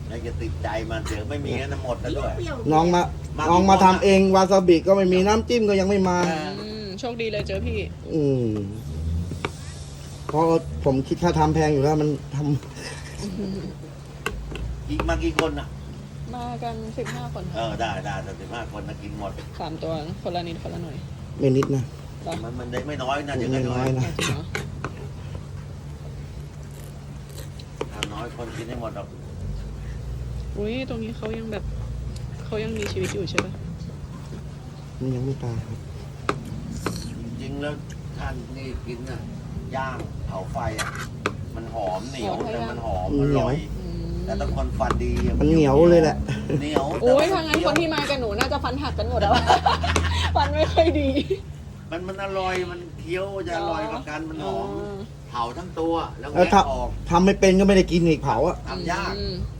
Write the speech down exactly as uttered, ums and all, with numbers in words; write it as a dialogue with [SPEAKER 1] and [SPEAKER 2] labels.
[SPEAKER 1] แล้วจะติดใจมันเดี๋ยวไม่มีนะหมดแล้วด้วย
[SPEAKER 2] น้องมา
[SPEAKER 1] มา
[SPEAKER 2] น้องมาทำเองวาซาบิก็ไม่มีน้ำจิ้มก็ยังไม่มา
[SPEAKER 1] เออ
[SPEAKER 3] อืมโชคดีเลยเจอพี่
[SPEAKER 2] อืมเพราะผมคิดค่าทำแพงอยู่แล้วมันท
[SPEAKER 1] อีกมากี่คนอ่ะ
[SPEAKER 3] มากันสิบห้าคน
[SPEAKER 1] เออได้ได้แต่สิบห้าคนนะกินหมด
[SPEAKER 3] สามตัวคนละนิดคนละหน่อย
[SPEAKER 2] ำไม่นิดนะ
[SPEAKER 3] เหรอ
[SPEAKER 1] มันมันได้ไม่น้อยนะ
[SPEAKER 2] ไม่
[SPEAKER 1] จะได้
[SPEAKER 2] น้อยนะ
[SPEAKER 3] จริงเหรอ
[SPEAKER 1] ทำน้อยคนกินได้หมดหรอก
[SPEAKER 3] อุ้ยตรงนี้เขายังแบบเขายังมีชีวิตอยู่ใช่ปะ
[SPEAKER 2] มันยังไม่ตายครับ
[SPEAKER 1] จริงๆแล้วท่านนี่กินน่ะย่างเผาไฟอ่ะมันหอมเหนียวแต่มันหอมอร่อย
[SPEAKER 3] อืม
[SPEAKER 1] แต่ต้องคนฟันดีอะ
[SPEAKER 2] มันเหนียวเลยแหละ
[SPEAKER 1] เหนียว
[SPEAKER 3] โอ้ย
[SPEAKER 1] แต่
[SPEAKER 3] ทางนั้น
[SPEAKER 1] เคี้
[SPEAKER 3] ค
[SPEAKER 1] วน
[SPEAKER 3] ที่มากับหนูน่าจะฟันหักกันหมดแล้ว ฟันไม่ค่อยดี
[SPEAKER 1] มันมันอร่อยมันเคี้ยวจะอร่อยกว่ากันมันหอม
[SPEAKER 3] อ๋อ
[SPEAKER 1] เผาทั้งตัวแล้ว
[SPEAKER 2] แล้ว
[SPEAKER 1] แกะ
[SPEAKER 2] ถ้า
[SPEAKER 1] ออก
[SPEAKER 2] ทำไม่เป็นก็ไม่ได้กินอีกเผาอะ
[SPEAKER 1] ทำยาก
[SPEAKER 3] อืม